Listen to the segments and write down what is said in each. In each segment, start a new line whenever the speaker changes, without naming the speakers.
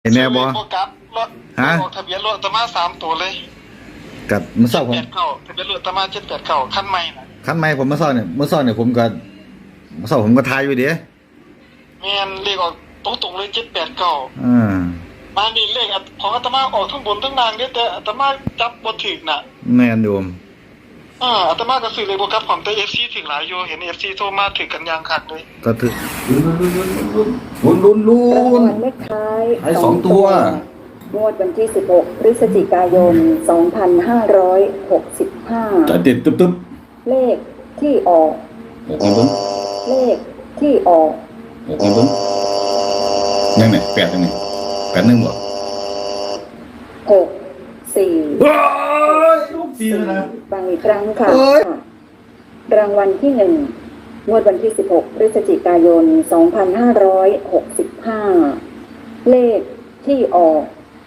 เห็นแน่บ่
โฟกัสรถออกทะเบียนรถอาตมา3ตัวเลย
กับเมื่อเช้าผม
ทะเบียนรถอาตมา789คันใหม่น่ะ
คันใหม่ผมเมื่อเช้าเนี่ยผมก็เมื่อเช้าผมก็ทายอยู่เด้
แม่นเลขออกตรงๆเลย789มานี่เลขของอาตมาออกทั้งบนทั้งล่างเด้แต่อาตมาจับบ่ถูกน่ะ
แม่นโยม
อาตมาก็ซื้อเลยบ่ครับผมแต่ FC ถึงหลายอยู่เห็น FC โทรมาถึงกันอย่างคักเลย
ก็ถึกลุ้น
เลขท้าย
ให้2ตัว
งวดวันที่16พฤศจิกายน2565
จะเด็ดตึ๊บ
เลขที่ออกเลขที่ออก
ยังไง8ยังไง81บ่
6 4
ลูก4แล้วนะ
ฟังอีกครั้งค่ะรางวัลที่1งวดวันที่16พฤศจิกายน2565เลขที่ออก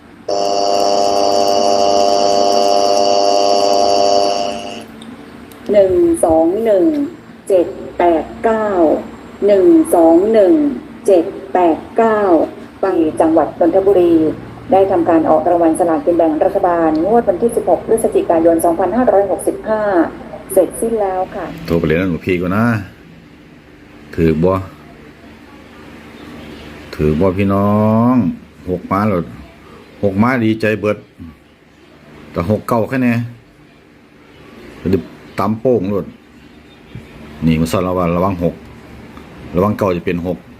121-789 ฟังจังหวัดนนทบุรีได้ทำการออกรางวัลสลากกินแบ่งรัฐบาลงวดวันที่16พฤศจิกายน2565เสร็จสิ้นแล้วค่ะ
โทรไปเรียนหลวงพี่ก่อนนะถือบ่พี่น้อง6ม้าแล้ว6ม้าดีใจเบิดแต่6เก้าแค่นี้จะตำโป้งโลดนี่มันสอนระวัง6ระวังเก้าจะเป็น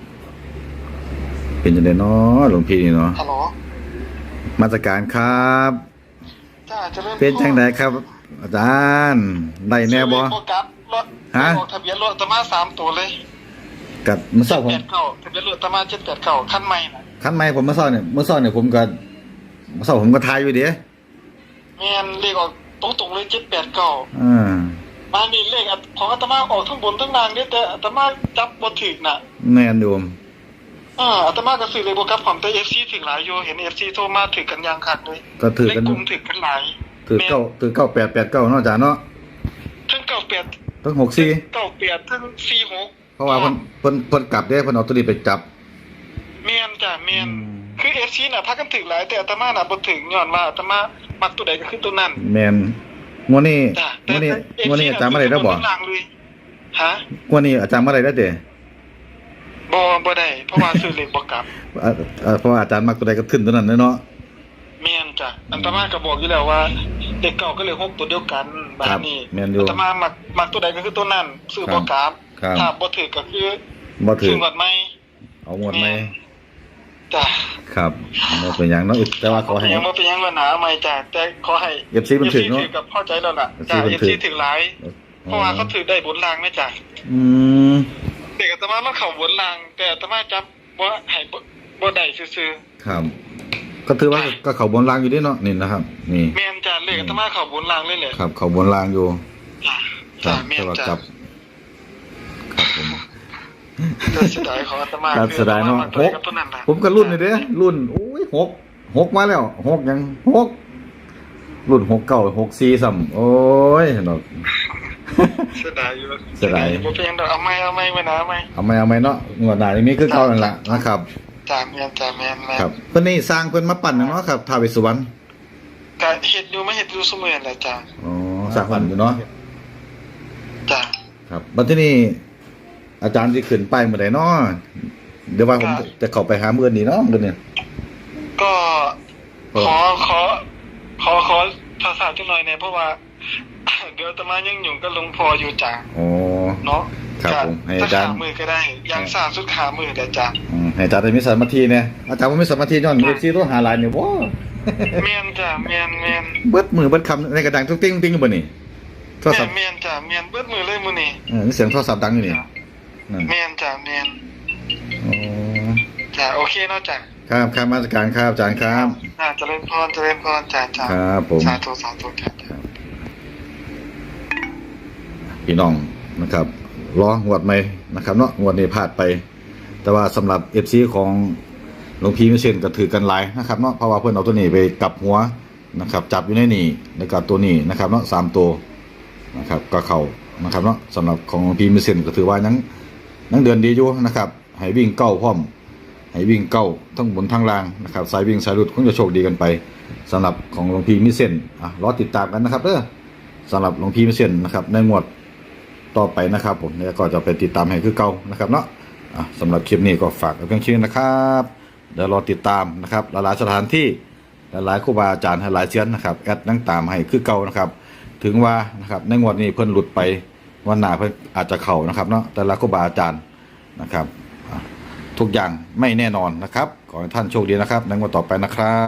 6เป็นจังได๋เนาะหลวงพี่นี่เนาะ
ฮัลโหล
มาตรการครับเป็นจังได๋ครับอาจารย์ได้แน่บ่
ฮะออกทะเบียนรถอาตมา3ตัวเลย
กับเมื่อเช้าผม
ทะเบียนรถอาตมา789คันใหม่น่ะ
คันใหม่ผมเมื่อเช้าเนี่ยผมก็ทายอยู่เด้
แม่นเลขออกตรงๆเลย789มานี่เลขของอาตมาออกทั้งบนทั้งล่างเด้แต่อาตมาจับบ่ถูกน่ะ
แม่นโยม
อาตมาก็ซื้อเลยบ่ครับผมแต่ FC ถึงหลายอยู่เห็น FC โทรมาถึงกันอย่างคักเลย
ก็ถือกัน
กลุ่มถึงกันหลาย
ถือ9889เนาะอาจารย์เนาะ
ทั้ง98
ทั้ง
6498ทั้ง46
เพราะว่าเพิ่นกลับเด้เพิ่นเอาตัวนี้ไปจับ
แม่นจ้ะแม่นคือ FC น่ะพากันถึงหลายแต่อาตมาน่ะบ่ถึงย้อนว่าอาตมามักตัวใดก็คือตัวนั้น
แม่นงวดนี้อาจารย์มาได้แล้วบ่
ฮะ
งวดนี้อาจารย์มาได้แล้วเด้
บ่ได้เพราะว่าซื้อเลขบ่กลับ
เพราะว่าอาจารย์มักตัวใดก็ขึ้นตัวนั้นเนาะ
แม่นจ้ะอาตมาก็บอกอยู่แล้วว่าเลขเก่าก็เลข6ตัวเดียวกันแบบนี้อาตมามักตัวใดก็คือตัวนั้นซื้อบ่กลับถ้าบ่ถูกก็คือ
บ่ถูก
ซื้อหมดใหม่
เอาหมดใหม่
จ้ะ
ครับบ่เป็นหยังเนาะแต่ว่าขอให้
ยังบ่เป็นหยังว่าหนาใหม่จ้ะแต่ขอให้
FC มันถึงเนาะ
กับเข้าใจแล้วล่ะจ้ะ FC ถึงหลายเพราะว่าเขาถือได้บนรางแม่จ้ะเด็กอาตมามันเข้าบนรางแต่อาตมาจับบ่ให้บ่ได้ซื่อ
ๆครับก็ถือว่าก็เข้าบนรางอยู่ดิเนาะนี่นะครับนี่
แม่นจ้ะเลขอาตมาเข้าบนรางเลยแหละ
ครับเข้าบนรางอยู่
จ้ะแม่นจ้ะครับผมเสียดายของอาตมา
เสียดายเนาะผมก็รุ่นนี่เด้รุ่นโอ้ย6มาแล้ว6ยัง6รุ่น6964ซ้ำโอ้ยเนาะ
เสียดายอยู่
เสียดาย
บ่เป็นหยังดอกเอาใหม่มานะเอาใหม่
เนาะงวดหน้านี้คือเก่านั่นล่ะนะครับ
จ้ะแม่น
ครับเพิ่นนี่สร้างเพิ่นมาปั้นเนาะครับท้าวเวสสุวรรณ
ก็เฮ็ดอยู่ซุมื้อนั่นแหละจ้ะ
อ๋อสร้างปั้นอยู่เนาะ
จ้ะ
ครับบัดทีนี้อาจารย์สิขึ้นไปเมื่อใดเนาะเดี๋ยวว่าผมจะเข้าไปหามื้อนี้เนาะมื้อนี้
ก็ขอภาษาจังหน่อยเนี่ยเพราะว่าเดี๋ยวอาตมายังอยู่กับหลวงพ่ออยู่จ้ะ
อ๋อ
เนาะ
ครับผมให้อาจารย์
มือก็ได้ยังสร้างสุดขามือได้จ้ะ
ให้อาจารย์ได้มีสมาธิเนี่ยอาจารย์บ่มีสมาธิย้อนFCตัวหาหลายนี่บ่
แม่นจ้ะแม่น
เบิดมือเบิดคำในกระดังติ๊งอยู่บ่นี่
โทรศัพท์แม่นจ้ะแม่นเบิดมือเลยมื้อนี้
เสียงโทรศัพท์ดังอยู่นี่
แม่นจ้ะแม่น
อ๋อ
จ้ะโอเคเนาะจ้ะ
ครับมาตรการครับอาจารย์ครับ
เจริญพรจ้ะ
ครับผม
สาธุครับ
พี่น้องนะครับรองวดใหม่นะครับเนาะงวดนี้พลาดไปแต่ว่าสำหรับ FC ของหลวงพี่มิเชนก็ถือกันหลายนะครับเนาะเพราะว่าเพิ่นเอาตัวนี้ไปกลับหัวนะครับจับอยู่ในนี่แล้วก็ตัวนี้นะครับเนาะ3ตัวนะครับก็เข้านะครับเนาะสำหรับของหลวงพี่มิเชนก็ถือว่ายังเดือนดีอยู่นะครับให้วิ่งเก้าพร้อมให้ให้วิ่งเก้าทั้งบนทั้งล่างนะครับสายวิ่งสายหลุดคงจะโชคดีกันไปสำหรับของหลวงพี่มิเส้นรอติดตามกันนะครับสำหรับหลวงพี่มิเส้นนะครับในงวดต่อไปนะครับผมเนี่ยก็จะไปติดตามให้คือเก่านะครับเนาะสำหรับคลิปนี้ก็ฝากเพียงแค่นี้นะครับเดี๋ยวรอติดตามนะครับหลายๆสถานที่หลายๆครูบาอาจารย์หลายเซียนนะครับแอดนั่งตามให้คือเก่านะครับถึงว่านะครับในงวดนี้เพิ่นหลุดไปวันหน้าเพิ่นอาจจะเข่านะครับเนาะแต่ละครูบาอาจารย์นะครับทุกอย่างไม่แน่นอนนะครับขอให้ท่านโชคดีนะครับในงวดต่อไปนะครับ